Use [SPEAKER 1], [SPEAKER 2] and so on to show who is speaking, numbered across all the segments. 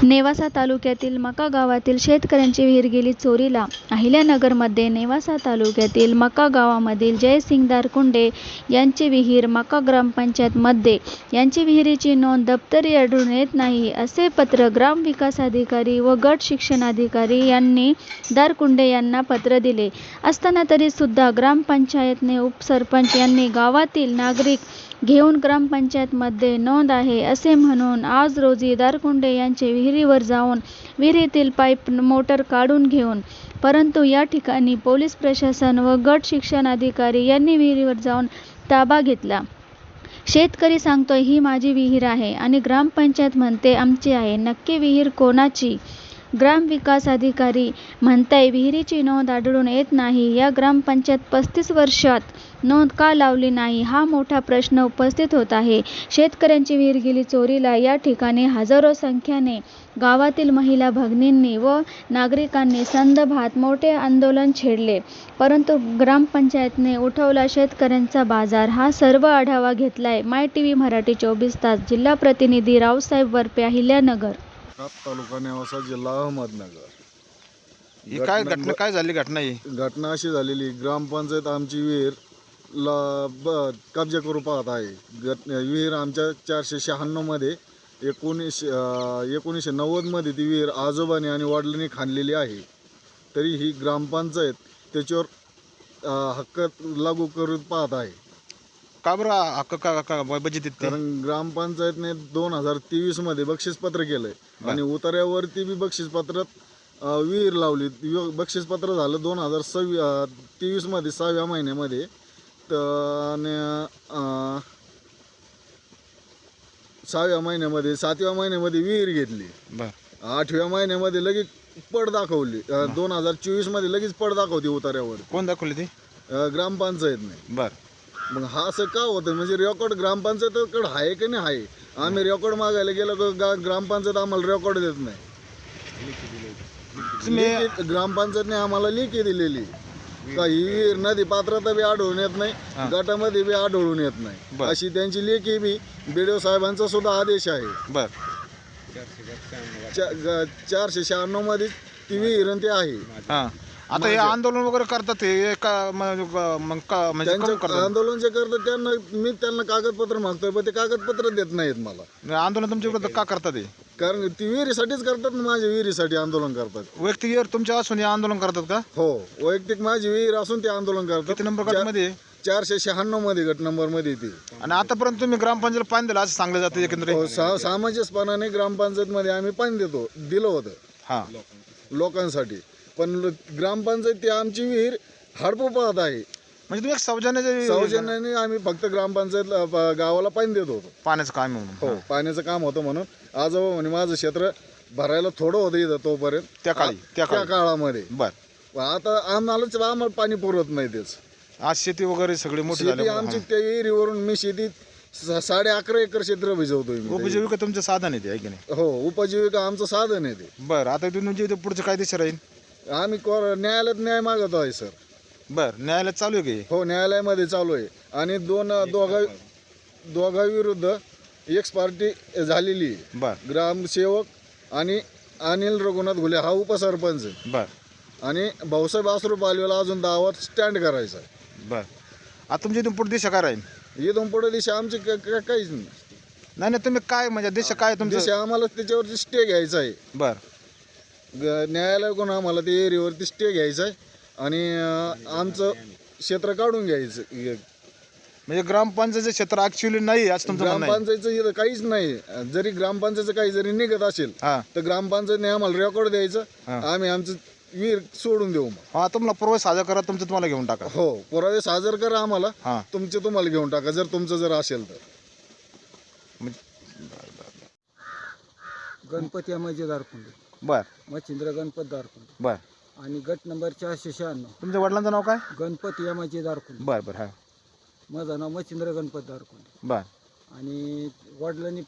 [SPEAKER 1] नेवासा तालुक्यातील मका गावातील शेतकऱ्यांची विहीर गेली चोरीला. अहिल्यानगरमध्ये नेवासा तालुक्यातील मका गावामधील जयसिंग दारकुंडे यांची विहीर मका ग्रामपंचायतमध्ये यांची विहिरीची नोंद दप्तरी आढळून येत नाही, असे पत्र ग्रामविकास अधिकारी व गट शिक्षणाधिकारी यांनी दारकुंडे यांना पत्र दिले असताना तरी सुद्धा ग्रामपंचायतने उपसरपंच यांनी गावातील नागरिक घेऊन ग्रामपंचायतमध्ये नोंद आहे असे म्हणून आज रोजी दारकुंडे यांचे विहिरीवर जाऊन विहिरीतील पाईप मोटर काढून घेऊन, परंतु या ठिकाणी पोलीस प्रशासन व गट शिक्षण अधिकारी यांनी विहिरीवर जाऊन ताबा घेतला. शेतकरी सांगतोय ही माझी विहीर आहे आणि ग्रामपंचायत म्हणते आमची आहे. नक्की विहीर कोणाची? ग्रामविकास अधिकारी म्हणताय विहिरीची नोंद आढळून येत नाही. या ग्रामपंचायत 35 वर्षात नोंद का लावली नाही, हा मोठा प्रश्न उपस्थित होत आहे. शेतकऱ्यांची विहीर गेली चोरीला. या ठिकाणी हजारो संख्येने गावातील महिला भगिनींनी व नागरिकांनी संदर्भात मोठे आंदोलन छेडले, परंतु ग्रामपंचायतने उठवला शेतकऱ्यांचा बाजार. हा सर्व आढावा घेतलाय माय टीव्ही मराठी 24 तास. जिल्हा प्रतिनिधी रावसाहेब वरपे, अहिल्यानगर
[SPEAKER 2] तालुका नेवासा, जिल्हा अहमदनगर.
[SPEAKER 3] ही काय घटना, काय झाली घटना? ही
[SPEAKER 2] घटना अशी झालेली, ग्रामपंचायत आमची विहीर कब्जा करू पाहत आहे. विहीर आमच्या 496 मध्ये 1990 मध्ये ती विहीर आजोबाने आणि वडिलांनी खाणलेली आहे. तरी ही ग्रामपंचायत त्याच्यावर हक्क लागू करू पाहत आहे.
[SPEAKER 3] का बरं हक्क का बजेट?
[SPEAKER 2] कारण ग्रामपंचायतने 2023 मध्ये बक्षीसपत्र केलंय आणि उतार्यावरती बी बक्षीसपत्रात विहीर लावली. बक्षीसपत्र झालं 2023 मध्ये 6व्या महिन्यामध्ये. आणि 6व्या महिन्यामध्ये 7व्या महिन्यामध्ये विहीर घेतली. 8व्या महिन्यामध्ये लगेच पड दाखवली. 2024 मध्ये लगेच पड दाखवते उतार्यावर.
[SPEAKER 3] कोण दाखवली ती?
[SPEAKER 2] ग्रामपंचायतने.
[SPEAKER 3] बर,
[SPEAKER 2] मग हा असं का होतं? म्हणजे रेकॉर्ड ग्रामपंचायतकडे आहे की नाही आहे. आम्ही रेकॉर्ड मागायला गेलो तर ग्रामपंचायत आम्हाला रेकॉर्ड देत नाही. ग्रामपंचायतने आम्हाला लेखी दिलेली का ही विहीर नदी पात्रात बी आढळून येत नाही, गटामध्ये बी आढळून येत नाही, अशी त्यांची लेखी बी BDO साहेबांचा सुद्धा आदेश आहे.
[SPEAKER 3] बर,
[SPEAKER 2] 496 मध्ये ती विहीर ते आहे.
[SPEAKER 3] आता हे आंदोलन वगैरे करतात हे का? म्हणजे
[SPEAKER 2] आंदोलन जे करतात त्यांना कागदपत्र मागतोय, पण ते कागदपत्र देत नाहीत मला.
[SPEAKER 3] आंदोलन तुमच्या विरोधात का करतात हे?
[SPEAKER 2] कारण ती विहिरीसाठीच करतात ना, माझ्या विहिरीसाठी आंदोलन करतात.
[SPEAKER 3] वैयक्तिक विहीर तुमच्या असून हे आंदोलन करतात का?
[SPEAKER 2] हो, वैयक्तिक माझी विहीर असून ते आंदोलन करतात.
[SPEAKER 3] किती नंबर गटामध्ये?
[SPEAKER 2] 496 मध्ये गट नंबर मध्ये ती.
[SPEAKER 3] आणि आतापर्यंत तुम्ही ग्रामपंचायत पाणी दिलं असं सांगलं जातं एकंदरीत?
[SPEAKER 2] सामंजस्यपणाने ग्रामपंचायत मध्ये आम्ही पाणी दिलं होतं लोकांसाठी, पण ग्रामपंचायत ती आमची विहीर हडपू पाहत आहे.
[SPEAKER 3] म्हणजे तुम्ही एक
[SPEAKER 2] सौजन्याने आम्ही फक्त ग्रामपंचायत गावाला पाणी देत होतो.
[SPEAKER 3] पाण्याचं काम म्हणून?
[SPEAKER 2] हो, पाण्याचं काम होतं म्हणून. आजोबा म्हणे माझं क्षेत्र भरायला थोडं होतं इथं तोपर्यंत, त्या काळामध्ये.
[SPEAKER 3] बर,
[SPEAKER 2] आता आम्हाला पाणी पुरवत नाही. तेच
[SPEAKER 3] आज शेती वगैरे सगळी मोठी
[SPEAKER 2] झाली आमची. त्या विहिरीवरून मी शेतीत 11.5 एकर क्षेत्र भिजवतोय.
[SPEAKER 3] उपजीविका तुमचं साधन आहे ते, आहे की नाही?
[SPEAKER 2] हो, उपजीविका आमचं साधन आहे ते.
[SPEAKER 3] बरं, आता तुमच्या इथे पुढचं काय दिशा राहील?
[SPEAKER 2] आम्ही न्यायालयात न्याय मागत आहे सर.
[SPEAKER 3] बर, न्यायालयात चालू आहे की?
[SPEAKER 2] हो, न्यायालयामध्ये चालू आहे. आणि दोघांविरुद्ध एक्स पार्टी झालेली आहे.
[SPEAKER 3] बर,
[SPEAKER 2] ग्रामसेवक आणि अनिल रघुनाथ घुले हा उपसरपंच.
[SPEAKER 3] बर,
[SPEAKER 2] आणि भाऊसाहेब आसरू पालवेला अजून दावात स्टँड करायचा आहे.
[SPEAKER 3] बर, आता तुमच्या इथून पुढे दिशा काय राहील?
[SPEAKER 2] इथून पुढे दिशा आमची काहीच नाही.
[SPEAKER 3] नाही, तुम्ही काय म्हणजे दिशा काय तुमची?
[SPEAKER 2] दिशा आम्हाला त्याच्यावरती स्टे घ्यायचा आहे.
[SPEAKER 3] बर,
[SPEAKER 2] न्यायालयाकडून आम्हाला ते एरियावरती स्टे घ्यायचा आहे आणि आमचं क्षेत्र काढून घ्यायचं.
[SPEAKER 3] म्हणजे ग्रामपंचायतचं क्षेत्र ऍक्च्युअली नाही आज तुमचं?
[SPEAKER 2] ग्रामपंचायतचं इथं काहीच नाही. जरी ग्रामपंचायतचं काही जरी निघत असेल तर ग्रामपंचायतने आम्हाला रेकॉर्ड द्यायचं, आम्ही आमचं विहीर सोडून देऊ.
[SPEAKER 3] हा, तुम्हाला पुरावे सादर करा, तुमचं तुम्हाला घेऊन टाका.
[SPEAKER 2] हो, पुरावे सादर करा आम्हाला, तुमचे तुम्हाला घेऊन टाका जर तुमचं जर असेल तर.
[SPEAKER 4] गणपती अमाजी दारकुंडे.
[SPEAKER 3] बर,
[SPEAKER 4] मच्छिंद्र गणपत दारकुंडे.
[SPEAKER 3] बर,
[SPEAKER 4] आणि गट नंबर 496.
[SPEAKER 3] तुमच्या वडिलांचं नाव काय?
[SPEAKER 4] गणपती अमाजी दारकुंडे.
[SPEAKER 3] बर बर, हा.
[SPEAKER 4] माझं नाव मच्छिंद्र गणपत दारकुंडे.
[SPEAKER 3] बर,
[SPEAKER 4] आणि वडिलांनी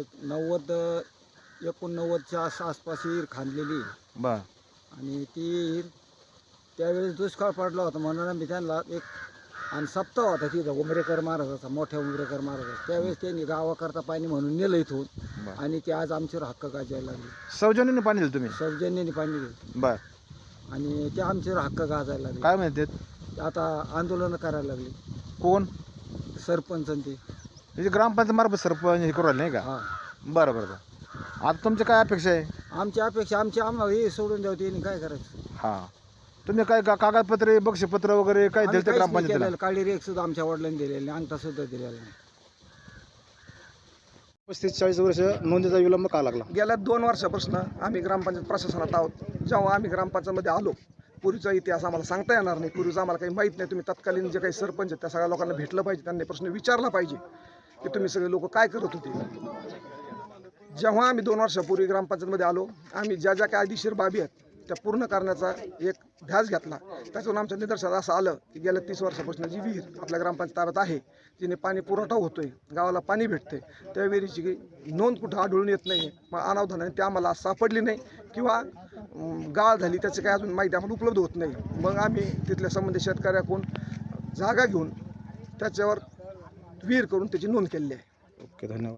[SPEAKER 4] 89च्या आसपास विहीर खांदलेली.
[SPEAKER 3] बर,
[SPEAKER 4] आणि ती विहीर त्यावेळेस दुष्काळ पडला होता म्हणून आम्ही त्यांना एक आणि सप्ताह होता तिथं उमरेकर महाराजाचा, मोठ्या उमरेकर महाराजाचा. त्यावेळेस त्यांनी गावाकरता पाणी म्हणून नेलं इथून.
[SPEAKER 3] बरं.
[SPEAKER 4] आणि ते आज आमच्यावर हक्क गाजायला लागले.
[SPEAKER 3] सौजन्याने पाणी दिलं तुम्ही?
[SPEAKER 4] सौजन्याने पाणी दिलं
[SPEAKER 3] बर.
[SPEAKER 4] आणि ते आमच्यावर हक्क गाजायला लागले.
[SPEAKER 3] काय म्हणते
[SPEAKER 4] आता आंदोलन करायला लागले
[SPEAKER 3] कोण?
[SPEAKER 4] सरपंच आणि ते.
[SPEAKER 3] म्हणजे ग्रामपंचायत मार्फत सरपंच हे करू राहिले नाही का?
[SPEAKER 4] हा,
[SPEAKER 3] बरं बरं बरं. आता तुमच्या काय अपेक्षा आहे?
[SPEAKER 4] आमची अपेक्षा आम्हाला हे सोडून द्यावं, त्यांनी काय करायचं.
[SPEAKER 3] हां, तुम्ही काय कागदपत्रे बक्षपत्र वगैरे काय
[SPEAKER 4] आम्ही
[SPEAKER 3] दिलं
[SPEAKER 4] काहीच नाही
[SPEAKER 3] ग्रामपंचायतीला?
[SPEAKER 4] केलेलं. काळी रेख सुद्धा आमच्या वडिलांनी दिलेली नाही, अंगठा सुद्धा दिलेला नाही.
[SPEAKER 3] 35-40 वर्ष नोंदीचा विलंब का लागला?
[SPEAKER 5] गेल्या 2 वर्षापासून आम्ही ग्रामपंचायत प्रशासनात आहोत. जेव्हा आम्ही ग्रामपंचायतमध्ये आलो, पूर्वीचा इतिहास आम्हाला सांगता येणार नाही, पूर्वीचं आम्हाला काही माहीत नाही. तुम्ही तत्कालीन जे काही सरपंच आहेत त्या सगळ्या लोकांना भेटलं पाहिजे, त्यांनी प्रश्न विचारला पाहिजे की तुम्ही सगळे लोक काय करत होते. जेव्हा आम्ही 2 वर्षापूर्वी ग्रामपंचायतमध्ये आलो, आम्ही ज्या ज्या काही कायदेशीर बाबी आहेत त्या पूर्ण करण्याचा एक ध्यास घेतला. त्याच्यावरून आमच्या निदर्शनात असं आलं की गेल्या 30 वर्षापासून जी विहीर आपल्या ग्रामपंचायत ताब्यात आहे, जिने पाणी पुरवठा होतोय, गावाला पाणी भेटते, त्या विहिरीची नोंद कुठं आढळून येत नाही. मग अनावधानाने ती आम्हाला सापडली नाही किंवा गाळ झाली त्याची काही अजून माहिती आम्हाला उपलब्ध होत नाही. मग आम्ही तिथल्या संबंधित शेतकऱ्याकडून जागा घेऊन त्याच्यावर विहीर करून त्याची नोंद केलेली आहे.
[SPEAKER 3] ओके, धन्यवाद.